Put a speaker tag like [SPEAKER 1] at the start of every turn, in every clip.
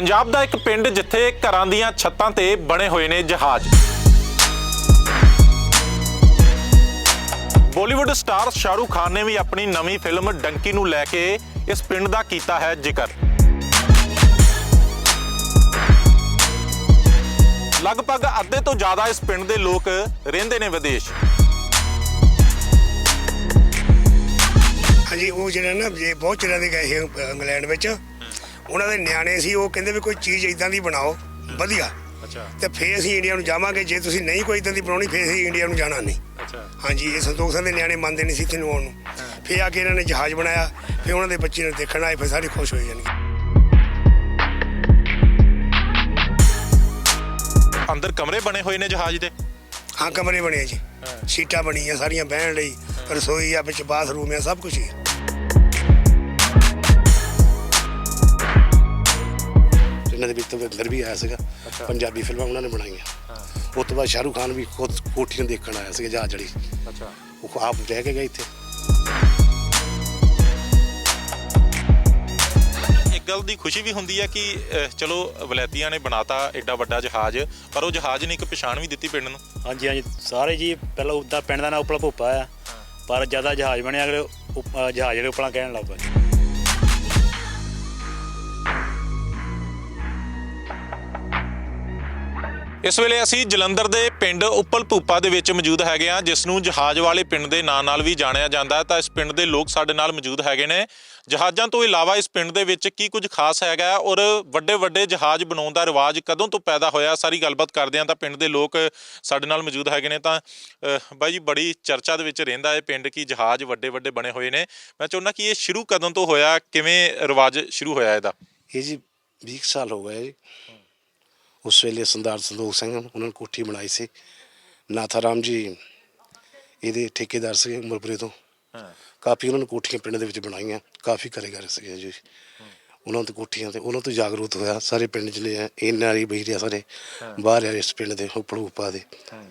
[SPEAKER 1] पंजाब ਦਾ ਇੱਕ ਪਿੰਡ ਜਿੱਥੇ ਘਰਾਂ ਦੀਆਂ ਛੱਤਾਂ ਤੇ ਬਣੇ ਹੋਏ ਨੇ ਜਹਾਜ਼। ਬਾਲੀਵੁੱਡ ਸਟਾਰ शाहरुख खान ने भी अपनी नवी फिल्म डंकी ਨੂੰ ਲੈ ਕੇ इस ਪਿੰਡ ਦਾ ਕੀਤਾ है जिक्र। लगभग ਅੱਧੇ ਤੋਂ ਜ਼ਿਆਦਾ इस ਪਿੰਡ ਦੇ ਲੋਕ ਰਹਿੰਦੇ ਨੇ ਵਿਦੇਸ਼।
[SPEAKER 2] हाँ जी, वो जो ना ये बहुत चिर गए थे इंग्लैंड में, उन्होंने न्याणे सी वो कहते भी कोई चीज़ इदां दी बनाओ वधिया।
[SPEAKER 1] अच्छा।
[SPEAKER 2] तो फिर असीं इंडिया नूं जावांगे, जे तुसीं नहीं कोई इदां दी बनाउणी फिर असीं इंडिया नूं जाना नहीं।
[SPEAKER 1] अच्छा।
[SPEAKER 2] हाँ जी, ये संतोख सिंह दे न्याणे मंनदे नहीं सी इत्थे नूं आउण नूं। फिर आके इन्होंने जहाज़ बनाया, फिर उन्होंने बच्चे नूं देखण आए, फिर सारे खुश हो जाणगे।
[SPEAKER 1] अंदर कमरे बने हुए ने जहाज दे?
[SPEAKER 2] हाँ, कमरे बने जी, सीटां बणीआं सारियां बहण लई, रसोई आ, विच बाथरूम आ, सब कुछ ही है।
[SPEAKER 3] ਇਹਨਾਂ ਦੇ ਵਿੱਚ ਅੰਦਰ ਵੀ ਆਇਆ ਸੀਗਾ। ਪੰਜਾਬੀ ਫਿਲਮਾਂ ਉਹਨਾਂ ਨੇ ਬਣਾਈਆਂ। ਉਸ ਤੋਂ ਬਾਅਦ ਸ਼ਾਹਰੁਖ ਖਾਨ ਵੀ ਖੁਦ ਕੋਠੀਆਂ ਦੇਖਣ ਆਇਆ ਸੀਗਾ ਜਹਾਜ਼ ਜਿਹੜੀ।
[SPEAKER 1] ਅੱਛਾ।
[SPEAKER 3] ਉਹ ਆਪ ਰਹਿ ਕੇ ਗਏ ਇੱਥੇ।
[SPEAKER 1] ਇੱਕ ਗੱਲ ਦੀ ਖੁਸ਼ੀ ਵੀ ਹੁੰਦੀ ਹੈ ਕਿ ਚਲੋ ਵਲੈਤੀਆਂ ਨੇ ਬਣਾਤਾ ਐਡਾ ਵੱਡਾ ਜਹਾਜ਼, ਪਰ ਉਹ ਜਹਾਜ਼ ਨੇ ਇੱਕ ਪਛਾਣ ਵੀ ਦਿੱਤੀ ਪਿੰਡ ਨੂੰ।
[SPEAKER 4] ਹਾਂਜੀ ਹਾਂਜੀ, ਸਾਰੇ ਜੀ ਪਹਿਲਾਂ ਉੱਦਾਂ ਪਿੰਡ ਦਾ ਨਾਂ ਉਪਲਾ ਭੁੱਪਾ ਆ, ਪਰ ਜ਼ਿਆਦਾ ਜਹਾਜ਼ ਬਣਿਆ ਅਗਲੇ ਜਹਾਜ਼ ਜਿਹੜੇ ਉਪਲਾ ਕਹਿਣ ਲੱਗ ਪਏ।
[SPEAKER 1] ਇਸ ਵੇਲੇ ਅਸੀਂ ਜਲੰਧਰ ਦੇ ਪਿੰਡ ਉੱਪਲ ਭੂਪਾ ਦੇ ਵਿੱਚ ਮੌਜੂਦ ਹੈਗੇ ਆ, ਜਿਸ ਨੂੰ ਜਹਾਜ਼ ਵਾਲੇ ਪਿੰਡ ਦੇ ਨਾਂ ਨਾਲ ਵੀ ਜਾਣਿਆ ਜਾਂਦਾ ਹੈ। ਤਾਂ ਇਸ ਪਿੰਡ ਦੇ ਲੋਕ ਸਾਡੇ ਨਾਲ ਮੌਜੂਦ ਹੈਗੇ ਨੇ। ਜਹਾਜ਼ਾਂ ਤੋਂ ਇਲਾਵਾ ਇਸ ਪਿੰਡ ਦੇ ਵਿੱਚ ਕੀ ਕੁਝ ਖਾਸ ਹੈਗਾ ਔਰ ਵੱਡੇ ਵੱਡੇ ਜਹਾਜ਼ ਬਣਾਉਣ ਦਾ ਰਿਵਾਜ ਕਦੋਂ ਤੋਂ ਪੈਦਾ ਹੋਇਆ, ਸਾਰੀ ਗੱਲਬਾਤ ਕਰਦੇ ਹਾਂ। ਤਾਂ ਪਿੰਡ ਦੇ ਲੋਕ ਸਾਡੇ ਨਾਲ ਮੌਜੂਦ ਹੈਗੇ ਨੇ। ਤਾਂ ਬਾਈ ਜੀ, ਬੜੀ ਚਰਚਾ ਦੇ ਵਿੱਚ ਰਹਿੰਦਾ ਹੈ ਪਿੰਡ ਕਿ ਜਹਾਜ਼ ਵੱਡੇ ਵੱਡੇ ਬਣੇ ਹੋਏ ਨੇ। ਮੈਂ ਚਾਹੁੰਦਾ ਕਿ ਇਹ ਸ਼ੁਰੂ ਕਦੋਂ ਤੋਂ ਹੋਇਆ, ਕਿਵੇਂ ਰਿਵਾਜ ਸ਼ੁਰੂ ਹੋਇਆ ਇਹਦਾ?
[SPEAKER 3] ਇਹ ਜੀ 20 ਸਾਲ ਹੋ ਗਏ ਜੀ। ਉਸ ਵੇਲੇ ਸਰਦਾਰ ਸੰਤੋਖ ਸਿੰਘ ਉਹਨਾਂ ਨੇ ਕੋਠੀ ਬਣਾਈ ਸੀ। ਨਾਥਾ ਰਾਮ ਜੀ ਇਹਦੇ ਠੇਕੇਦਾਰ ਸੀਗੇ ਉਮਰਪੁਰੇ ਤੋਂ। ਕਾਫੀ ਉਹਨਾਂ ਨੇ ਕੋਠੀਆਂ ਪਿੰਡ ਦੇ ਵਿੱਚ ਬਣਾਈਆਂ, ਕਾਫੀ ਕਾਰੀਗਰ ਸੀਗੇ ਜੀ। ਉਹਨਾਂ ਤੋਂ ਕੋਠੀਆਂ ਤੇ ਉਹਨਾਂ ਤੋਂ ਜਾਗਰੂਕ ਹੋਇਆ ਸਾਰੇ ਪਿੰਡ ਜਿਹੜੇ ਇਹਨਾਂ ਬਹੀਰਿਆ ਸਾਰੇ ਬਾਹਰ ਆ ਇਸ ਪਿੰਡ ਦੇ ਉੱਪਲ ਭੂਪਾ ਦੇ,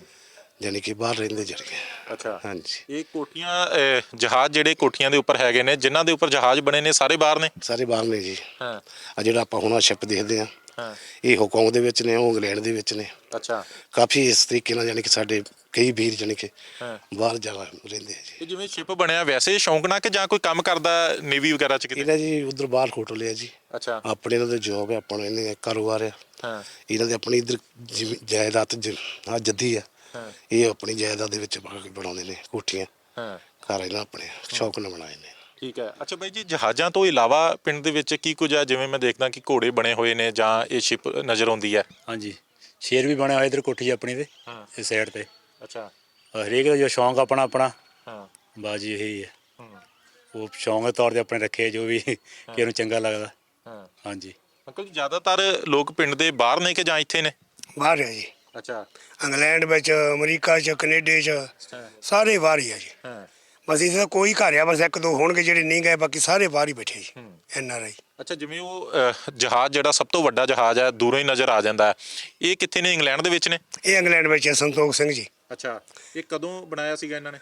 [SPEAKER 3] ਯਾਨੀ ਕਿ ਬਾਹਰ ਰਹਿੰਦੇ ਜਿਹੜੇ।
[SPEAKER 1] ਅੱਛਾ।
[SPEAKER 3] ਹਾਂਜੀ,
[SPEAKER 1] ਇਹ ਕੋਠੀਆਂ ਜਹਾਜ਼ ਜਿਹੜੇ ਕੋਠੀਆਂ ਦੇ ਉੱਪਰ ਹੈਗੇ ਨੇ, ਜਿਨ੍ਹਾਂ ਦੇ ਉੱਪਰ ਜਹਾਜ਼ ਬਣੇ ਨੇ, ਸਾਰੇ ਬਾਹਰ ਨੇ?
[SPEAKER 3] ਸਾਰੇ ਬਾਹਰ ਨੇ ਜੀ।
[SPEAKER 1] ਹਾਂ।
[SPEAKER 3] ਆ ਜਿਹੜਾ ਆਪਾਂ ਹੁਣ ਸ਼ਿਪ ਦੇਖਦੇ ਹਾਂ, ਇਹ ਹਾਂਗਕਾਂਗ ਦੇ ਵਿੱਚ ਨੇ, ਉਹ ਇੰਗਲੈਂਡ ਦੇ ਵਿੱਚ ਨੇ।
[SPEAKER 1] ਅੱਛਾ।
[SPEAKER 3] ਕਾਫੀ ਇਸ ਤਰੀਕੇ ਨਾਲ ਯਾਨੀ ਕਿ ਸਾਡੇ ਕਈ ਵੀਰ ਜਾਣੀ ਕਿ ਬਾਹਰ ਜਾ ਰਹਿੰਦੇ ਆ ਜੀ।
[SPEAKER 1] ਇਹ ਜਿਵੇਂ ਸ਼ਿਪ ਬਣਿਆ, ਵੈਸੇ ਸ਼ੌਂਕ ਨਾਲ ਕਿ ਜਾਂ ਕੋਈ ਕੰਮ ਕਰਦਾ ਨੇਵੀ ਵਗੈਰਾ ਚ ਕਿਤੇ?
[SPEAKER 3] ਇਹਨਾਂ ਜੀ ਉਧਰ ਬਾਹਰ ਹੋਟਲ ਆ ਜੀ।
[SPEAKER 1] ਅੱਛਾ।
[SPEAKER 3] ਆਪਣੇ ਇਹਨਾਂ ਦਾ ਜੋਬ ਹੈ, ਆਪਾਂ ਨੂੰ ਇਹਨੇ ਕਾਰੋਬਾਰ ਆ।
[SPEAKER 1] ਹਾਂ।
[SPEAKER 3] ਇਹਨਾਂ ਦੇ ਆਪਣੀ ਇੱਧਰ ਜਾਇਦਾਦ ਆ ਜੱਦੀ ਆ। ਇਹ ਆਪਣੀ ਜਾਇਦਾਦ ਦੇ ਵਿੱਚ ਬਣਾਉਂਦੇ ਨੇ ਕੋਠੀਆਂ।
[SPEAKER 1] ਹਾਂ।
[SPEAKER 3] ਘਰ ਇਹਨਾਂ ਆਪਣੇ ਸ਼ੌਕ ਨਾਲ ਬਣਾਏ ਨੇ।
[SPEAKER 1] ਠੀਕ ਹੈ। ਅੱਛਾ ਬਾਈ ਜੀ, ਜਹਾਜ਼ਾਂ ਤੋਂ ਇਲਾਵਾ ਪਿੰਡ ਦੇ ਵਿੱਚ ਕੀ ਕੁਝ ਹੈ? ਜਿਵੇਂ ਮੈਂ ਦੇਖਦਾ ਕਿ ਘੋੜੇ ਬਣੇ ਹੋਏ ਨੇ ਜਾਂ ਇਹ ਸ਼ਿਪ ਨਜ਼ਰ ਆਉਂਦੀ ਹੈ।
[SPEAKER 4] ਹਾਂਜੀ, ਸ਼ੇਰ ਵੀ ਬਣਿਆ ਹੋਇਆ ਇੱਧਰ ਕੋਠੀ ਆਪਣੀ ਤੇ ਇਸ ਸਾਈਡ ਤੇ।
[SPEAKER 1] ਅੱਛਾ।
[SPEAKER 4] ਹਰੇਕ ਦਾ ਜੋ ਸ਼ੌਂਕ ਆਪਣਾ ਆਪਣਾ।
[SPEAKER 1] ਹਾਂ।
[SPEAKER 4] ਬਾਜੀ ਇਹੀ ਹੈ, ਉਹ ਸ਼ੌਂਕ ਦੇ ਤੌਰ 'ਤੇ ਆਪਣੇ ਰੱਖੇ ਜੋ ਵੀ ਕਿਸੇ ਨੂੰ ਚੰਗਾ ਲੱਗਦਾ।
[SPEAKER 1] ਹਾਂ।
[SPEAKER 4] ਹਾਂਜੀ
[SPEAKER 1] ਅੰਕਲ ਜੀ, ਜ਼ਿਆਦਾਤਰ ਲੋਕ ਪਿੰਡ ਦੇ ਬਾਹਰ ਨੇ ਕਿ ਜਾਂ ਇੱਥੇ ਨੇ?
[SPEAKER 2] बाहर है जी,
[SPEAKER 1] ਅੱਛਾ।
[SPEAKER 2] इंग्लैंड में, अमरीका च, कनेडे च, सारे बाहर ही है जी।
[SPEAKER 1] ਹਾਂ।
[SPEAKER 2] बस इस कोई घर आ, बस एक दो होणगे ਜਿਹੜੇ नहीं गए, बाकी सारे बाहर ही बैठे जी। NRI।
[SPEAKER 1] ਅੱਛਾ, ਜਿਵੇਂ ਉਹ ਜਹਾਜ਼ ਜਿਹੜਾ ਸਭ ਤੋਂ ਵੱਡਾ ਜਹਾਜ਼ ਹੈ ਦੂਰੋਂ ਹੀ ਨਜ਼ਰ ਆ ਜਾਂਦਾ ਹੈ, ਇਹ ਕਿੱਥੇ ਨੇ? ਇੰਗਲੈਂਡ ਦੇ ਵਿੱਚ ਨੇ?
[SPEAKER 2] ਇਹ ਇੰਗਲੈਂਡ ਵਿੱਚ ਹੈ, ਸੰਤੋਖ ਸਿੰਘ ਜੀ।
[SPEAKER 1] ਅੱਛਾ। ਇਹ ਕਦੋਂ ਬਣਾਇਆ ਸੀਗਾ ਇਹਨਾਂ ਨੇ?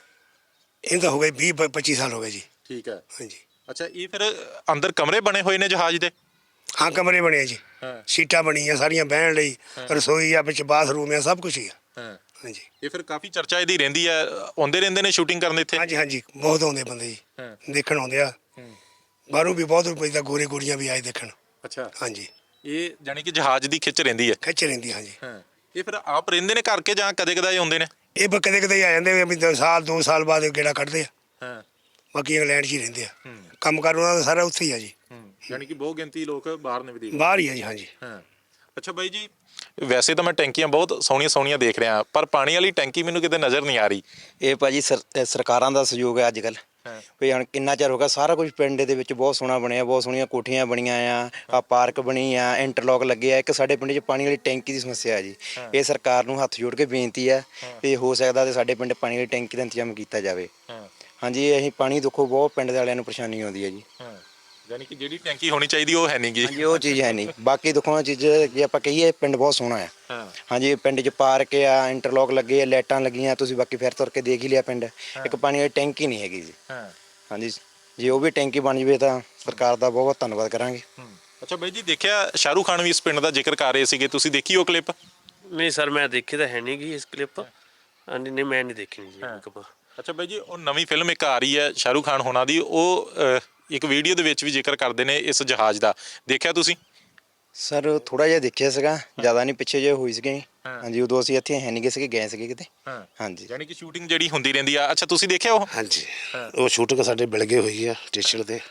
[SPEAKER 2] ਇਹ ਤਾਂ ਹੋ ਗਏ 20-25 ਸਾਲ ਹੋ ਗਏ ਜੀ।
[SPEAKER 1] ਠੀਕ ਹੈ।
[SPEAKER 2] ਹਾਂਜੀ।
[SPEAKER 1] ਅੱਛਾ, ਇਹ ਫਿਰ ਅੰਦਰ ਕਮਰੇ ਬਣੇ ਹੋਏ ਨੇ ਜਹਾਜ਼ ਦੇ?
[SPEAKER 2] ਹਾਂ, ਕਮਰੇ ਬਣੇ ਆ ਜੀ,
[SPEAKER 1] ਹਾਂ।
[SPEAKER 2] ਸੀਟਾਂ ਬਣੀਆਂ ਸਾਰੀਆਂ ਬਹਿਣ ਲਈ, ਰਸੋਈ ਆ, ਵਿੱਚ ਬਾਥਰੂਮ ਆ, ਸਭ ਕੁਝ ਹੀ ਆ।
[SPEAKER 1] ਹਾਂ।
[SPEAKER 2] ਹਾਂਜੀ।
[SPEAKER 1] ਇਹ ਫਿਰ ਕਾਫੀ ਚਰਚਾ ਇਹਦੀ ਰਹਿੰਦੀ ਹੈ, ਆਉਂਦੇ ਰਹਿੰਦੇ ਨੇ ਸ਼ੂਟਿੰਗ ਕਰਨ ਇੱਥੇ?
[SPEAKER 2] ਹਾਂਜੀ ਹਾਂਜੀ, ਬਹੁਤ ਆਉਂਦੇ ਬੰਦੇ ਜੀ,
[SPEAKER 1] ਹਾਂ।
[SPEAKER 2] ਦੇਖਣ ਆਉਂਦੇ ਆ। ਬਾਹਰੋਂ ਵੀ ਬਹੁਤ ਰੁਪਏ ਦਾ ਗੋਰੇ ਗੋਰੀਆਂ ਵੀ ਆਏ ਦੇਖਣ।
[SPEAKER 1] ਅੱਛਾ।
[SPEAKER 2] ਹਾਂਜੀ।
[SPEAKER 1] ਇਹ ਜਾਨੀ ਕਿ ਜਹਾਜ਼ ਦੀ ਖਿੱਚ ਰਹਿੰਦੀ ਹੈ?
[SPEAKER 2] ਖਿੱਚ ਰਹਿੰਦੀ, ਹਾਂਜੀ।
[SPEAKER 1] ਹਾਂ। ਇਹ ਫਿਰ ਆਪ ਰਹਿੰਦੇ ਨੇ ਘਰ ਕੇ ਜਾਂ ਕਦੇ ਕਦਾਈ ਆਉਂਦੇ ਨੇ?
[SPEAKER 2] ਇਹ ਕਦੇ ਕਦੇ ਆ ਜਾਂਦੇ ਵੀ ਸਾਲ 2 ਸਾਲ ਬਾਅਦ ਗੇੜਾ ਕੱਢਦੇ ਆ।
[SPEAKER 1] ਹਾਂ।
[SPEAKER 2] ਬਾਕੀ ਇੰਗਲੈਂਡ 'ਚ ਹੀ ਰਹਿੰਦੇ ਆ, ਕੰਮ ਕਾਰ ਉਹਨਾਂ ਦਾ ਸਾਰਾ ਉੱਥੇ ਹੀ ਆ ਜੀ।
[SPEAKER 1] ਯਾਨੀ ਕਿ ਬਹੁਤ ਗਿਣਤੀ ਲੋਕ ਬਾਹਰ ਨੇ ਵਿਦੇਸ਼?
[SPEAKER 2] ਬਾਹਰ ਹੀ ਆ ਜੀ। ਹਾਂਜੀ।
[SPEAKER 1] ਹਾਂ। ਅੱਛਾ ਬਾਈ ਜੀ, ਵੈਸੇ ਤਾਂ ਮੈਂ ਟੈਂਕੀਆਂ ਬਹੁਤ ਸੋਹਣੀਆਂ ਸੋਹਣੀਆਂ ਦੇਖ ਰਿਹਾ, ਪਰ ਪਾਣੀ ਵਾਲੀ ਟੈਂਕੀ ਮੈਨੂੰ ਕਿਤੇ ਨਜ਼ਰ ਨਹੀਂ ਆ ਰਹੀ।
[SPEAKER 5] ਇਹ ਭਾਜੀ ਸਰਕਾਰਾਂ ਦਾ ਸਹਿਯੋਗ ਹੈ ਅੱਜ ਕੱਲ੍ਹ। ਵੀ ਹੁਣ ਕਿੰਨਾ ਚਿਰ ਹੋ ਗਿਆ, ਸਾਰਾ ਕੁਝ ਪਿੰਡ ਦੇ ਵਿੱਚ ਬਹੁਤ ਸੋਹਣਾ ਬਣਿਆ, ਬਹੁਤ ਸੋਹਣੀਆਂ ਕੋਠੀਆਂ ਬਣੀਆਂ ਆ, ਪਾਰਕ ਬਣੀ ਆ, ਇੰਟਰਲੋਕ ਲੱਗੇ ਆ। ਇੱਕ ਸਾਡੇ ਪਿੰਡ 'ਚ ਪਾਣੀ ਵਾਲੀ ਟੈਂਕੀ ਦੀ ਸਮੱਸਿਆ ਹੈ ਜੀ। ਇਹ ਸਰਕਾਰ ਨੂੰ ਹੱਥ ਜੋੜ ਕੇ ਬੇਨਤੀ ਹੈ ਵੀ ਹੋ ਸਕਦਾ ਤੇ ਸਾਡੇ ਪਿੰਡ ਪਾਣੀ ਵਾਲੀ ਟੈਂਕੀ ਦਾ ਇੰਤਜ਼ਾਮ ਕੀਤਾ ਜਾਵੇ। ਹਾਂਜੀ, ਅਸੀਂ ਪਾਣੀ ਦੇਖੋ ਬਹੁਤ ਪਿੰਡ ਦੇ ਵਾਲਿਆਂ ਨੂੰ ਪਰੇਸ਼ਾਨੀ ਆਉਂਦੀ ਹੈ ਜੀ।
[SPEAKER 1] ਯਾਨੀ ਕਿ ਜਿਹੜੀ ਟੈਂਕੀ ਹੋਣੀ ਚਾਹੀਦੀ ਉਹ ਹੈ ਨਹੀਂ ਗੀ।
[SPEAKER 5] ਹਾਂਜੀ, ਉਹ ਚੀਜ਼ ਹੈ ਨਹੀਂ। ਬਾਕੀ ਦੇਖੋ ਚੀਜ਼ ਜੇ ਆਪਾਂ ਕਹੀਏ ਪਿੰਡ ਬਹੁਤ ਸੋਹਣਾ ਆ। ਹਾਂਜੀ, ਪਿੰਡ 'ਚ ਪਾਰਕ ਆ, ਇੰਟਰਲੋਕ ਲੱਗੇ ਆ, ਲਾਈਟਾਂ ਲੱਗੀਆਂ, ਤੁਸੀਂ ਬਾਕੀ ਫਿਰ ਤੁਰ ਕੇ ਦੇਖ ਹੀ ਲਿਆ ਪਿੰਡ। ਇੱਕ ਪਾਣੀ ਵਾਲੀ ਟੈਂਕੀ ਨਹੀਂ ਹੈਗੀ ਜੀ। ਹਾਂਜੀ, ਜੇ ਉਹ ਵੀ ਟੈਂਕੀ ਬਣ ਜਾਵੇ ਤਾਂ ਸਰਕਾਰ ਦਾ ਬਹੁਤ ਬਹੁਤ ਧੰਨਵਾਦ ਕਰਾਂਗੇ।
[SPEAKER 1] ਅੱਛਾ ਬਾਈ ਜੀ, ਦੇਖਿਆ ਸ਼ਾਹਰੁਖ ਖਾਨ ਵੀ ਇਸ ਪਿੰਡ ਦਾ ਜ਼ਿਕਰ ਕਰ ਰਹੇ ਸੀਗੇ, ਤੁਸੀਂ ਦੇਖੀ ਉਹ ਕਲਿੱਪ?
[SPEAKER 6] ਨਹੀਂ ਸਰ, ਮੈਂ ਦੇਖੀ ਤਾਂ ਹੈ ਨਹੀਂ ਗੀ ਇਸ ਕਲਿੱਪ। ਹਾਂਜੀ, ਨਹੀਂ ਮੈਂ ਨਹੀਂ ਦੇਖੀ ਜੀ ਕਲਿੱਪ।
[SPEAKER 1] ਅੱਛਾ ਬਾਈ ਜੀ, ਉਹ ਨਵੀਂ ਫਿਲਮ ਇੱਕ ਆ ਰਹੀ ਹੈ ਸ਼ਾਹਰੁਖ ਖਾਨ ਹੋਣਾ ਦੀ, ਉਹ ਇੱਕ ਵੀਡੀਓ ਦੇ ਵਿੱਚ ਵੀ ਜ਼ਿਕਰ ਕਰਦੇ ਨੇ ਇਸ ਜਹਾਜ਼ ਦਾ, ਦੇਖਿਆ ਤੁਸੀਂ?
[SPEAKER 5] ਸਰ ਥੋੜਾ ਜਿਹਾ ਦੇਖਿਆ ਸੀਗਾ, ਜ਼ਿਆਦਾ ਨਹੀਂ, ਪਿੱਛੇ ਜੇ ਹੋਈ ਸੀਗੀ। ਹਾਂਜੀ, ਉਦੋਂ ਅਸੀਂ ਇੱਥੇ ਹੈ ਨਹੀਂ ਗਏ ਸੀਗੇ, ਗਏ ਸੀਗੇ ਕਿਤੇ। ਹਾਂਜੀ,
[SPEAKER 1] ਯਾਨੀ ਕਿ ਸ਼ੂਟਿੰਗ ਜਿਹੜੀ ਹੁੰਦੀ ਰਹਿੰਦੀ ਆ। ਅੱਛਾ, ਤੁਸੀਂ ਦੇਖਿਆ ਉਹ?
[SPEAKER 3] ਹਾਂਜੀ, ਉਹ ਸ਼ੂਟਿੰਗ ਸਾਡੇ ਬਿਲਗੇ ਹੋਈ ਆ ਸਟੇਸ਼ਨ ਤੇ।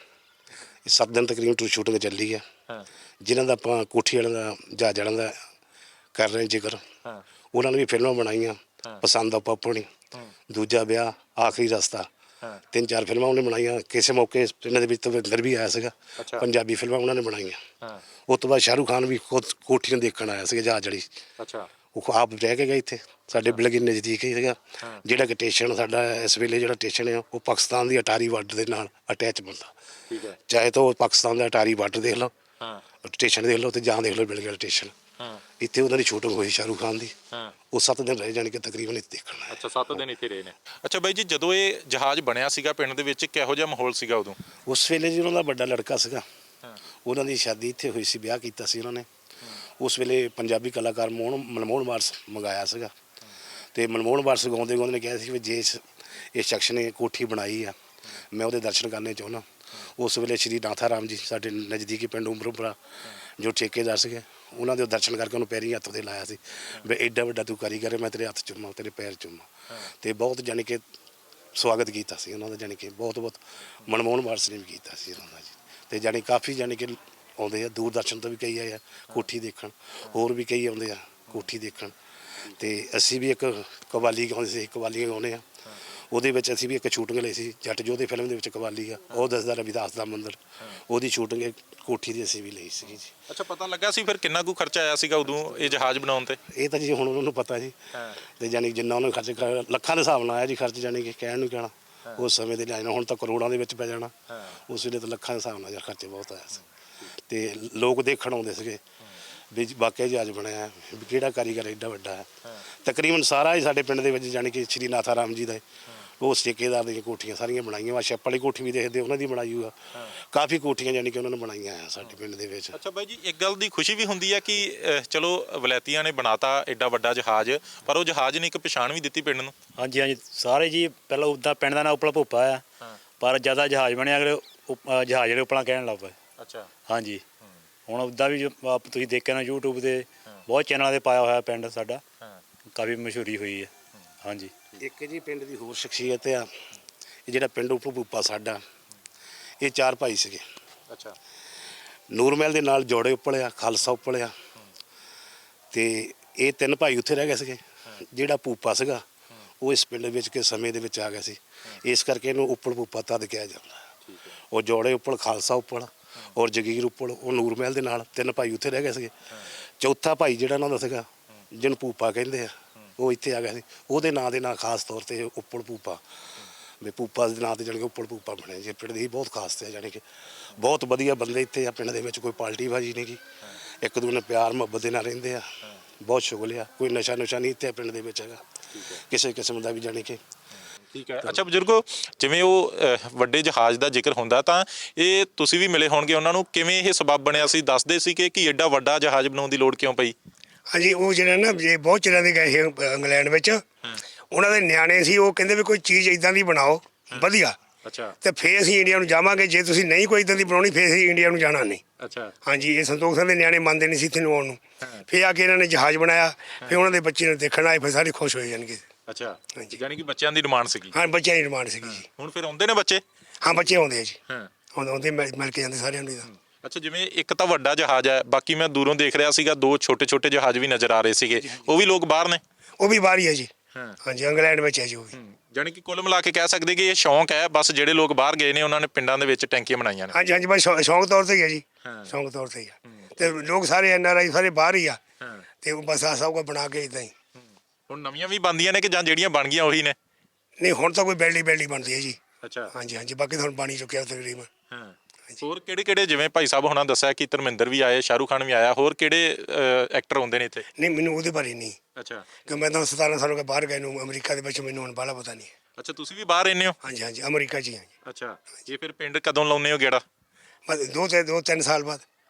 [SPEAKER 3] 7 ਦਿਨ ਤਕਰੀਬਨ ਸ਼ੂਟਿੰਗ ਚੱਲੀ ਆ, ਜਿਨ੍ਹਾਂ ਦਾ ਆਪਾਂ ਕੋਠੀ ਵਾਲਿਆਂ ਦਾ ਜਹਾਜ਼ ਵਾਲਿਆਂ ਦਾ ਕਰ ਰਹੇ ਜ਼ਿਕਰ। ਉਹਨਾਂ ਨੇ ਵੀ ਫਿਲਮਾਂ ਬਣਾਈਆਂ, ਪਸੰਦ ਆ ਪਾਪਣੀ, ਦੂਜਾ ਵਿਆਹ, ਆਖਰੀ ਰਸਤਾ, 3-4 ਫਿਲਮਾਂ ਉਹਨੇ ਬਣਾਈਆਂ। ਕਿਸੇ ਮੌਕੇ ਇਹਨਾਂ ਦੇ ਵਿੱਚ ਤਵਿੰਦਰ ਵੀ ਆਇਆ ਸੀਗਾ, ਪੰਜਾਬੀ ਫਿਲਮਾਂ ਉਹਨਾਂ ਨੇ ਬਣਾਈਆਂ। ਉਸ ਤੋਂ ਬਾਅਦ ਸ਼ਾਹਰੁਖ ਖਾਨ ਵੀ ਖੁਦ ਕੋਠੀਆਂ ਦੇਖਣ ਆਇਆ ਸੀਗਾ ਜਹਾਜ਼ ਵਾਲੀ।
[SPEAKER 1] ਅੱਛਾ,
[SPEAKER 3] ਉਹ ਆਪ ਰਹਿ ਕੇ ਗਏ ਇੱਥੇ, ਸਾਡੇ ਬਿਲਗੇ ਨਜ਼ਦੀਕ ਹੀ ਸੀਗਾ। ਜਿਹੜਾ ਕਿ ਸਟੇਸ਼ਨ ਸਾਡਾ ਇਸ ਵੇਲੇ ਜਿਹੜਾ ਸਟੇਸ਼ਨ ਆ ਉਹ ਪਾਕਿਸਤਾਨ ਦੀ ਅਟਾਰੀ ਬਾਰਡਰ ਦੇ ਨਾਲ ਅਟੈਚ ਬੰਦਾ।
[SPEAKER 1] ਠੀਕ ਹੈ।
[SPEAKER 3] ਚਾਹੇ ਤਾਂ ਉਹ ਪਾਕਿਸਤਾਨ ਦਾ ਅਟਾਰੀ ਬਾਰਡਰ ਦੇਖ ਲਓ, ਸਟੇਸ਼ਨ ਦੇਖ ਲਓ, ਤੇ ਜਾਂ ਦੇਖ ਲਓ ਬਿਲਗੇ ਸਟੇਸ਼ਨ। ਇੱਥੇ ਉਹਨਾਂ ਦੀ ਸ਼ੂਟਿੰਗ ਹੋਈ ਸ਼ਾਹਰੁਖ ਖਾਨ ਦੀ। ਉਹ 7 ਦਿਨ ਰਹੇ, ਜਾਣੀ ਕਿ ਤਕਰੀਬਨ ਇੱਥੇ ਦੇਖਣਾ।
[SPEAKER 1] ਅੱਛਾ, 7 ਦਿਨ ਇੱਥੇ ਰਹੇ ਨੇ। ਅੱਛਾ ਬਾਈ ਜੀ, ਜਦੋਂ ਇਹ ਜਹਾਜ਼ ਬਣਿਆ ਸੀਗਾ ਪਿੰਡ ਦੇ ਵਿੱਚ, ਕਿਹੋ ਜਿਹਾ ਮਾਹੌਲ ਸੀਗਾ ਉਦੋਂ?
[SPEAKER 3] ਉਸ ਵੇਲੇ ਜੀ ਉਹਨਾਂ ਦਾ ਵੱਡਾ ਲੜਕਾ ਸੀਗਾ, ਉਹਨਾਂ ਦੀ ਸ਼ਾਦੀ ਇੱਥੇ ਹੋਈ ਸੀ, ਵਿਆਹ ਕੀਤਾ ਸੀ ਉਹਨਾਂ ਨੇ। ਉਸ ਵੇਲੇ ਪੰਜਾਬੀ ਕਲਾਕਾਰ ਮਨਮੋਹਨ ਵਾਰਸ ਮੰਗਾਇਆ ਸੀਗਾ, ਤੇ ਮਨਮੋਹਨ ਵਾਰਸ ਗਾਉਂਦੇ ਨੇ ਕਿਹਾ ਸੀ ਵੀ ਜੇ ਇਸ ਸ਼ਖਸ ਨੇ ਕੋਠੀ ਬਣਾਈ ਆ, ਮੈਂ ਉਹਦੇ ਦਰਸ਼ਨ ਕਰਨੇ ਚਾਹੁੰਦਾ। ਉਸ ਵੇਲੇ ਸ਼੍ਰੀ ਨਾਥਾ ਰਾਮ ਜੀ ਸਾਡੇ ਨਜ਼ਦੀਕੀ ਪਿੰਡ ਉਮਰਪੁਰਾ ਜੋ ਠੇਕੇਦਾਰ ਸੀਗੇ, ਉਹਨਾਂ ਦੇ ਦਰਸ਼ਨ ਕਰਕੇ ਉਹਨੂੰ ਪੈਰੀਂ ਹੱਥ ਤੇ ਲਾਇਆ ਸੀ ਵੀ ਐਡਾ ਵੱਡਾ ਤੂੰ ਕਾਰੀਗਰ ਹੈ, ਮੈਂ ਤੇਰੇ ਹੱਥ ਚੁੰਮਾਂ, ਤੇਰੇ ਪੈਰ ਚੁੰਮਾਂ। ਤੇ ਬਹੁਤ ਜਾਣੀ ਕਿ ਸਵਾਗਤ ਕੀਤਾ ਸੀ ਉਹਨਾਂ ਦਾ, ਜਾਣੀ ਕਿ ਬਹੁਤ ਮਨਮੋਹਨ ਵਾਰਸ ਨੇ ਵੀ ਕੀਤਾ ਸੀ ਉਹਨਾਂ ਦਾ ਜੀ। ਤੇ ਜਾਣੀ ਕਾਫੀ ਜਾਣੀ ਕਿ ਆਉਂਦੇ ਆ, ਦੂਰਦਰਸ਼ਨ ਤੋਂ ਵੀ ਕਈ ਆਏ ਆ ਕੋਠੀ ਦੇਖਣ, ਹੋਰ ਵੀ ਕਈ ਆਉਂਦੇ ਆ ਕੋਠੀ ਦੇਖਣ। ਤੇ ਅਸੀਂ ਵੀ ਇੱਕ ਕਵਾਲੀ ਗਾਉਂਦੇ ਸੀ, ਕਵਾਲੀਆਂ ਗਾਉਂਦੇ ਆ। ਉਹਦੇ ਵਿੱਚ ਅਸੀਂ ਵੀ ਇੱਕ ਸ਼ੂਟਿੰਗ ਲਈ ਸੀ, ਜੱਟ ਜੋਧੇ ਫਿਲਮ ਦੇ ਵਿੱਚ ਕਵਾਲੀ ਆ, ਉਹ ਦੱਸਦਾ ਰਵਿਦਾਸ ਦਾ ਮੰਦਰ, ਉਹਦੀ ਸ਼ੂਟਿੰਗ ਕੋਠੀ ਦੀ ਅਸੀਂ ਵੀ ਲਈ ਸੀਗੀ ਜੀ।
[SPEAKER 1] ਅੱਛਾ, ਪਤਾ ਲੱਗਾ ਸੀ ਫਿਰ ਕਿੰਨਾ ਕੁ ਖਰਚਾ ਆਇਆ ਸੀਗਾ ਉਦੋਂ ਇਹ ਜਹਾਜ਼ ਬਣਾਉਣ ਤੇ?
[SPEAKER 3] ਇਹ ਤਾਂ ਜੀ ਹੁਣ ਉਹਨਾਂ ਨੂੰ ਪਤਾ ਜੀ। ਤੇ ਜਾਣੀ ਜਿੰਨਾ ਉਹਨਾਂ ਖਰਚ ਲੱਖਾਂ ਦੇ ਹਿਸਾਬ ਨਾਲ ਆਇਆ ਜੀ ਖਰਚ, ਜਾਣੀ ਕਿ ਕਹਿਣ ਨੂੰ ਕਹਿਣਾ। ਉਸ ਸਮੇਂ ਦੇ ਲਿਹਾਜ਼ ਨਾਲ ਹੁਣ ਤਾਂ ਕਰੋੜਾਂ ਦੇ ਵਿੱਚ ਪੈ ਜਾਣਾ, ਉਸ ਵੇਲੇ ਤਾਂ ਲੱਖਾਂ ਦੇ ਹਿਸਾਬ ਨਾਲ ਖਰਚੇ ਬਹੁਤ ਆਇਆ ਸੀ। ਤੇ ਲੋਕ ਦੇਖਣ ਆਉਂਦੇ ਸੀਗੇ ਵੀ ਵਾਕਿਆ ਜਹਾਜ਼ ਬਣਿਆ, ਵੀ ਕਿਹੜਾ ਕਾਰੀਗਰ ਐਡਾ ਵੱਡਾ ਹੈ। ਤਕਰੀਬਨ ਸਾਰਾ ਹੀ ਸਾਡੇ ਪਿੰਡ ਦੇ ਵਿੱਚ ਜਾਣੀ ਕਿ ਸ਼੍ਰੀ ਨਾਥਾ ਰਾਮ ਜੀ ਦਾ ਉਹ ਠੇਕੇਦਾਰ ਦੀਆਂ ਕੋਠੀਆਂ ਸਾਰੀਆਂ ਬਣਾਈਆਂ ਵਾ। ਛੱਪ ਵਾਲੀ ਕੋਠੀ ਵੀ ਦੇਖਦੇ ਉਹਨਾਂ ਦੀ ਬਣਾਈ ਹੋਆ, ਕਾਫੀ ਕੋਠੀਆਂ ਜਾਣੀ ਕਿ ਉਹਨਾਂ ਨੇ ਬਣਾਈਆਂ ਆ ਸਾਡੇ ਪਿੰਡ ਦੇ ਵਿੱਚ।
[SPEAKER 1] ਅੱਛਾ ਬਾਈ ਜੀ, ਇੱਕ ਗੱਲ ਦੀ ਖੁਸ਼ੀ ਵੀ ਹੁੰਦੀ ਹੈ ਕਿ ਚਲੋ ਵਲੈਤੀਆਂ ਨੇ ਬਣਾਤਾ ਐਡਾ ਵੱਡਾ ਜਹਾਜ਼, ਪਰ ਉਹ ਜਹਾਜ਼ ਨੇ ਇੱਕ ਪਛਾਣ ਵੀ ਦਿੱਤੀ ਪਿੰਡ ਨੂੰ।
[SPEAKER 4] ਹਾਂਜੀ ਹਾਂਜੀ, ਸਾਰੇ ਜੀ ਪਹਿਲਾਂ ਉੱਦਾਂ ਪਿੰਡ ਦਾ ਨਾਂ ਉਪਲਾ ਭੁੱਪਾ ਆ, ਪਰ ਜ਼ਿਆਦਾ ਜਹਾਜ਼ ਬਣਿਆ ਅਗਲੇ ਜਹਾਜ਼ ਜਿਹੜੇ ਉਪਲਾ ਕਹਿਣ ਲੱਗ ਪਏ।
[SPEAKER 1] ਅੱਛਾ,
[SPEAKER 4] ਹਾਂਜੀ, ਹੁਣ ਉੱਦਾਂ ਵੀ ਤੁਸੀਂ ਦੇਖਿਆ ਨਾ YouTube ਤੇ ਬਹੁਤ ਚੈਨਲਾਂ ਤੇ ਪਾਇਆ ਹੋਇਆ ਪਿੰਡ ਸਾਡਾ, ਕਾਫੀ ਮਸ਼ਹੂਰੀ ਹੋਈ ਹੈ। ਹਾਂਜੀ,
[SPEAKER 3] ਇੱਕ ਜੀ ਪਿੰਡ ਦੀ ਹੋਰ ਸ਼ਖਸੀਅਤ ਆ, ਇਹ ਜਿਹੜਾ ਪਿੰਡ ਉਪਲ ਭੁੱਪਾ ਸਾਡਾ, ਇਹ 4 ਭਾਈ ਸੀਗੇ।
[SPEAKER 1] ਅੱਛਾ,
[SPEAKER 3] ਨੂਰਮਹਿਲ ਦੇ ਨਾਲ ਜੋੜੇ ਉੱਪਲਿਆ, ਖਾਲਸਾ ਉੱਪਲਿਆ, ਤੇ ਇਹ 3 ਭਾਈ ਉੱਥੇ ਰਹਿ ਗਏ ਸੀਗੇ। ਜਿਹੜਾ ਭੂਪਾ ਸੀਗਾ ਉਹ ਇਸ ਪਿੰਡ ਵਿੱਚ ਕੇ ਸਮੇਂ ਦੇ ਵਿੱਚ ਆ ਗਿਆ ਸੀ, ਇਸ ਕਰਕੇ ਇਹਨੂੰ ਉੱਪਲ ਭੂਪਾ ਤਦ ਕਿਹਾ ਜਾਂਦਾ। ਉਹ ਜੋੜੇ ਉੱਪਲ, ਖਾਲਸਾ ਉੱਪਲ ਔਰ ਜਗੀਰ ਉੱਪਲ, ਉਹ ਨੂਰਮਹਿਲ ਦੇ ਨਾਲ 3 ਭਾਈ ਉੱਥੇ ਰਹਿ ਗਏ ਸੀਗੇ। ਚੌਥਾ ਭਾਈ ਜਿਹੜਾ ਉਹਨਾਂ ਦਾ ਸੀਗਾ, ਜਿਹਨੂੰ ਭੂਪਾ ਕਹਿੰਦੇ ਆ, ਉਹ ਇੱਥੇ ਆ ਗਿਆ ਸੀ। ਉਹਦੇ ਨਾਂ ਦੇ ਨਾਲ ਖਾਸ ਤੌਰ ਤੇ ਉੱਪਲ ਭੂਪਾ, ਵੀ ਭੂਪਾ ਦੇ ਨਾਂ ਤੇ ਜਾਣੀ ਕਿ ਉੱਪਲ ਭੂਪਾ ਬਣਿਆ ਜੀ। ਪਿੰਡ ਦੀ ਬਹੁਤ ਖਾਸ ਤੇ ਜਾਣੀ ਕਿ ਬਹੁਤ ਵਧੀਆ ਬੰਦੇ ਇੱਥੇ ਆ ਪਿੰਡ ਦੇ ਵਿੱਚ, ਕੋਈ ਪਾਲਟੀ ਬਾਜੀ ਨਹੀਂ ਗੀ, ਇੱਕ ਦੂਜੇ ਨਾਲ ਪਿਆਰ ਮੁਹੱਬਤ ਦੇ ਨਾਲ ਰਹਿੰਦੇ ਆ, ਬਹੁਤ ਸ਼ੁਗਲ ਆ। ਕੋਈ ਨਸ਼ਾ ਨੁਸ਼ਾ ਨਹੀਂ ਇੱਥੇ ਪਿੰਡ ਦੇ ਵਿੱਚ ਹੈਗਾ ਕਿਸੇ ਕਿਸਮ ਦਾ ਵੀ, ਜਾਣੀ ਕਿ।
[SPEAKER 1] ਠੀਕ ਹੈ। ਅੱਛਾ ਬਜ਼ੁਰਗੋ, ਜਿਵੇਂ ਉਹ ਵੱਡੇ ਜਹਾਜ਼ ਦਾ ਜ਼ਿਕਰ ਹੁੰਦਾ ਤਾਂ ਇਹ ਤੁਸੀਂ ਵੀ ਮਿਲੇ ਹੋਣਗੇ ਉਹਨਾਂ ਨੂੰ, ਕਿਵੇਂ ਇਹ ਸਬਬ ਬਣਿਆ ਸੀ? ਦੱਸਦੇ ਸੀ ਕਿ ਐਡਾ ਵੱਡਾ ਜਹਾਜ਼ ਬਣਾਉਣ ਦੀ ਲੋੜ ਕਿਉਂ ਪਈ?
[SPEAKER 2] ਹਾਂਜੀ, ਉਹ ਜਿਹੜਾ ਨਾ ਜੇ ਬਹੁਤ ਚਿਰਾਂ ਦੇ ਗਏ ਸੀ ਇੰਗਲੈਂਡ ਵਿੱਚ, ਉਹਨਾਂ ਦੇ ਨਿਆਣੇ ਸੀ, ਉਹ ਕਹਿੰਦੇ ਵੀ ਕੋਈ ਚੀਜ਼ ਇਦਾਂ ਦੀ ਬਣਾਓ ਵਧੀਆ।
[SPEAKER 1] ਅੱਛਾ,
[SPEAKER 2] ਤੇ ਫੇਰ ਅਸੀਂ ਇੰਡੀਆ ਨੂੰ ਜਾਵਾਂਗੇ, ਜੇ ਤੁਸੀਂ ਨਹੀਂ ਕੋਈ ਇਦਾਂ ਦੀ ਬਣਾਉਣੀ ਫੇਰ ਅਸੀਂ ਇੰਡੀਆ ਨੂੰ ਜਾਣਾ ਨਹੀਂ।
[SPEAKER 1] ਅੱਛਾ,
[SPEAKER 2] ਹਾਂਜੀ, ਇਹ ਸੰਤੋਖ ਸਿੰਘ ਦੇ ਨਿਆਣੇ ਮੰਨਦੇ ਨਹੀਂ ਸੀ ਇੱਥੇ ਨੂੰ ਆਉਣ ਨੂੰ। ਫੇਰ ਆ ਕੇ ਇਹਨਾਂ ਨੇ ਜਹਾਜ਼ ਬਣਾਇਆ, ਫੇਰ ਉਹਨਾਂ ਦੇ ਬੱਚੇ ਨੂੰ ਦੇਖਣ ਆਏ, ਫਿਰ ਸਾਰੇ ਖੁਸ਼ ਹੋਏ ਜਾਣਗੇ।
[SPEAKER 1] ਅੱਛਾ, ਯਾਨੀ ਕਿ ਬੱਚਿਆਂ ਦੀ ਡਿਮਾਂਡ ਸੀਗੀ।
[SPEAKER 2] ਹਾਂ, ਬੱਚਿਆਂ ਦੀ ਡਿਮਾਂਡ ਸੀਗੀ ਜੀ।
[SPEAKER 1] ਹੁਣ ਫਿਰ ਆਉਂਦੇ ਨੇ ਬੱਚੇ?
[SPEAKER 2] ਹਾਂ, ਬੱਚੇ ਆਉਂਦੇ ਆ ਜੀ,
[SPEAKER 1] ਹਾਂ,
[SPEAKER 2] ਆਉਂਦੇ ਮਿਲ ਕੇ ਜਾਂਦੇ ਸਾਰਿਆਂ ਨੂੰ।
[SPEAKER 1] ਅੱਛਾ, ਜਿਵੇਂ ਇੱਕ ਤਾਂ ਵੱਡਾ ਜਹਾਜ਼ ਹੈ, ਬਾਕੀ ਮੈਂ ਦੂਰੋਂ ਦੇਖ ਰਿਹਾ ਸੀਗਾ 2 ਛੋਟੇ ਛੋਟੇ ਜਹਾਜ਼ ਵੀ ਨਜ਼ਰ ਆ ਰਹੇ ਸੀਗੇ, ਉਹ ਵੀ ਲੋਕ ਬਾਹਰ ਨੇ?
[SPEAKER 2] ਉਹ ਵੀ ਬਾਹਰ ਹੀ ਹੈ ਜੀ। ਹਾਂਜੀ, ਇੰਗਲੈਂਡ ਵਿੱਚ ਹੈ ਜੀ ਉਹ ਵੀ।
[SPEAKER 1] ਜਾਣੀ ਕਿ ਕੁੱਲ ਮਿਲਾ ਕੇ ਕਹਿ ਸਕਦੇ ਕਿ ਇਹ ਸ਼ੌਂਕ ਹੈ, ਬਸ ਜਿਹੜੇ ਲੋਕ ਬਾਹਰ ਗਏ ਨੇ ਉਹਨਾਂ ਨੇ ਪਿੰਡਾਂ ਦੇ ਵਿੱਚ ਟੈਂਕੀਆਂ ਬਣਾਈਆਂ ਨੇ।
[SPEAKER 2] ਹਾਂਜੀ ਹਾਂਜੀ, ਬਸ ਸ਼ੌਂਕ ਤੌਰ ਤੇ ਹੀ ਹੈ ਜੀ, ਸ਼ੌਂਕ ਤੌਰ ਤੇ ਹੀ ਆ। ਤੇ ਲੋਕ ਸਾਰੇ NRI ਸਾਰੇ ਬਾਹਰ ਹੀ ਆ, ਤੇ ਉਹ ਬਸ ਆ ਸਭ ਕੁਝ ਬਣਾ ਕੇ ਇਦਾਂ ਹੀ।
[SPEAKER 1] ਹੁਣ ਨਵੀਆਂ ਵੀ ਬਣਦੀਆਂ ਨੇ ਕਿ ਜਾਂ ਜਿਹੜੀਆਂ ਬਣ ਗਈਆਂ ਉਹੀ ਨੇ?
[SPEAKER 2] ਨਹੀਂ, ਹੁਣ ਤਾਂ ਕੋਈ ਬੈਲੀ ਬਣਦੀ ਹੈ ਜੀ।
[SPEAKER 1] ਅੱਛਾ,
[SPEAKER 2] ਹਾਂਜੀ ਹਾਂਜੀ, ਬਾਕੀ ਤਾਂ ਹੁਣ ਬਣ ਹੀ ਚੁੱਕਿਆ ਤਕਰੀਬਨ।
[SPEAKER 1] ਹੋਰ ਕਿਹੜੇ ਕਿਹੜੇ, ਜਿਵੇਂ ਭਾਈ ਸਾਹਿਬ ਹੁਣਾਂ ਦੱਸਿਆ ਕਿ ਧਰਮਿੰਦਰ ਵੀ ਆਏ, ਸ਼ਾਹਰੁਖ ਖਾਨ ਵੀ ਆਇਆ, ਹੋਰ ਕਿਹੜੇ ਐਕਟਰ ਆਉਂਦੇ ਨੇ ਇੱਥੇ?
[SPEAKER 2] ਨਹੀਂ, ਮੈਨੂੰ ਉਹਦੇ ਬਾਰੇ ਨਹੀਂ,
[SPEAKER 1] ਅੱਛਾ,
[SPEAKER 2] ਕਿ ਮੈਂ ਤਾਂ 17 ਸਾਲ ਹੋ ਗਏ ਬਾਹਰ ਗਏ ਨੂੰ ਅਮਰੀਕਾ ਦੇ ਵਿੱਚ, ਮੈਨੂੰ ਹੁਣ ਬਾਹਲਾ ਪਤਾ ਨਹੀਂ।
[SPEAKER 1] ਅੱਛਾ, ਤੁਸੀਂ ਵੀ ਬਾਹਰ ਰਹਿੰਦੇ ਹੋ?
[SPEAKER 2] ਹਾਂਜੀ ਹਾਂਜੀ, ਅਮਰੀਕਾ 'ਚ ਹੀ ਹਾਂ ਜੀ।
[SPEAKER 1] ਅੱਛਾ, ਇਹ ਫਿਰ ਪਿੰਡ ਕਦੋਂ ਲਾਉਂਦੇ ਹੋ ਗੇੜਾ?
[SPEAKER 2] ਬਸ 2-3 ਸਾਲ ਬਾਅਦ।
[SPEAKER 1] ਹਾਂ,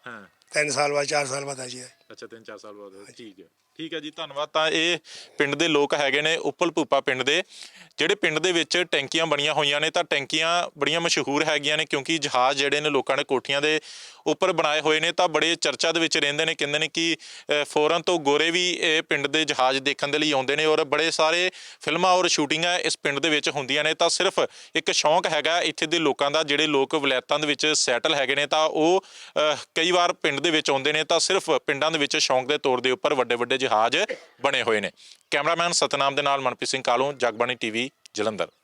[SPEAKER 2] 3 ਸਾਲ ਬਾਅਦ 4 ਸਾਲ ਬਾਅਦ ਆ ਜੀ
[SPEAKER 1] ਅੱਛਾ 3-4 ਸਾਲ ਬਾਅਦ ਠੀਕ ਹੈ ਜੀ ਧੰਨਵਾਦ। ਤਾਂ ਇਹ ਪਿੰਡ ਦੇ ਲੋਕ ਹੈਗੇ ਨੇ ਉੱਪਲ ਭੂਪਾ ਪਿੰਡ ਦੇ, ਜਿਹੜੇ ਪਿੰਡ ਦੇ ਵਿੱਚ ਟੈਂਕੀਆਂ ਬਣੀਆਂ ਹੋਈਆਂ ਨੇ। ਤਾਂ ਟੈਂਕੀਆਂ ਬੜੀਆਂ ਮਸ਼ਹੂਰ ਹੈਗੀਆਂ ਨੇ ਕਿਉਂਕਿ ਜਹਾਜ਼ ਜਿਹੜੇ ਨੇ ਲੋਕਾਂ ਨੇ ਕੋਠੀਆਂ ਦੇ ਉੱਪਰ ਬਣਾਏ ਹੋਏ ਨੇ, ਤਾਂ ਬੜੇ ਚਰਚਾ ਦੇ ਵਿੱਚ ਰਹਿੰਦੇ ਨੇ। ਕਹਿੰਦੇ ਨੇ ਕਿ ਫੋਰਨ ਤੋਂ ਗੋਰੇ ਵੀ ਇਹ ਪਿੰਡ ਦੇ ਜਹਾਜ਼ ਦੇਖਣ ਦੇ ਲਈ ਆਉਂਦੇ ਨੇ ਔਰ ਬੜੇ ਸਾਰੇ ਫਿਲਮਾਂ ਔਰ ਸ਼ੂਟਿੰਗਾਂ ਇਸ ਪਿੰਡ ਦੇ ਵਿੱਚ ਹੁੰਦੀਆਂ ਨੇ। ਤਾਂ ਸਿਰਫ ਇੱਕ ਸ਼ੌਂਕ ਹੈਗਾ ਇੱਥੇ ਦੇ ਲੋਕਾਂ ਦਾ, ਜਿਹੜੇ ਲੋਕ ਵਲਾਇਤਾਂ ਦੇ ਵਿੱਚ ਸੈਟਲ ਹੈਗੇ ਨੇ ਤਾਂ ਉਹ ਕਈ ਵਾਰ ਪਿੰਡ ਦੇ ਵਿੱਚ ਆਉਂਦੇ ਨੇ ਤਾਂ ਸਿਰਫ ਪਿੰਡਾਂ ਦੇ ਵਿੱਚ ਸ਼ੌਂਕ ਦੇ ਤੌਰ ਦੇ ਉੱਪਰ ਵੱਡੇ ਵੱਡੇ ਜਹਾਜ਼ ਬਣੇ ਹੋਏ ਨੇ। ਕੈਮਰਾਮੈਨ ਸਤਨਾਮ ਦੇ ਨਾਲ ਮਨਪ੍ਰੀਤ ਸਿੰਘ ਕਾਲੋਂ, ਜਗਬਾਣੀ ਟੀਵੀ, ਜਲੰਧਰ।